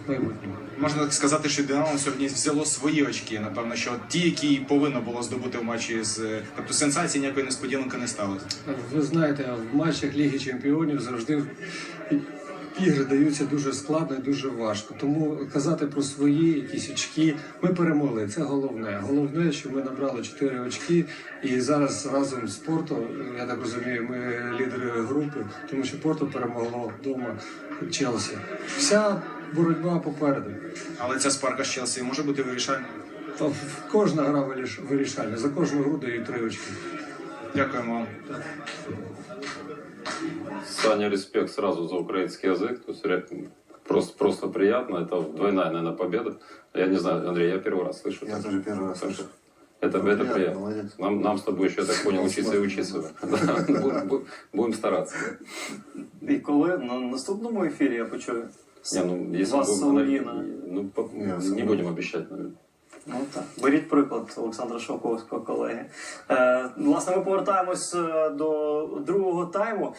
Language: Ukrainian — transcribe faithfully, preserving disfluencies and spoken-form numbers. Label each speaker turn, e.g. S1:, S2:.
S1: майбутньому.
S2: Можна так сказати, що Динамо сьогодні взяло свої очки. Напевно, що ті, які повинно було здобути в матчі з... Тобто сенсації ніякої несподіванки не сталося.
S1: Ви знаєте, в матчах Ліги Чемпіонів завжди ігри даються дуже складно і дуже важко. Тому казати про свої якісь очки, ми перемогли, це головне. Головне, що ми набрали чотири очки і зараз разом з Порто, я так розумію, ми лідери групи, тому що Порто перемогло вдома Челсі. Вся боротьба попереду.
S2: Але ця спарка з Челсі може бути вирішальною.
S1: Та кожна гра виріш- вирішальна, за кожну гру дають три очки.
S2: Дякуємо вам.
S3: Саня, респект сразу за украинский язык. То есть ре- просто, просто приятно. Это двойная, наверное, победа. Я не знаю, Андрей, я первый раз слышу.
S4: Я тоже первый раз слышу.
S3: Это,
S4: Ну,
S3: это
S4: приятно,
S3: приятно.
S4: молодец.
S3: Нам, нам с тобой еще, я так понял, учиться и учиться. Да, будем- будем- Будем стараться.
S5: І коли на наступному ефірі я почую
S3: Не, ну, если
S5: вас
S3: будем-
S5: Солов'їна.
S3: ну, по-
S4: Не,
S3: не
S4: Соловьина.
S3: будем обещать, наверное.
S5: Ну так, беріть приклад Олександра Шовковського, колеги. Е, власне, ми повертаємось е, до другого тайму.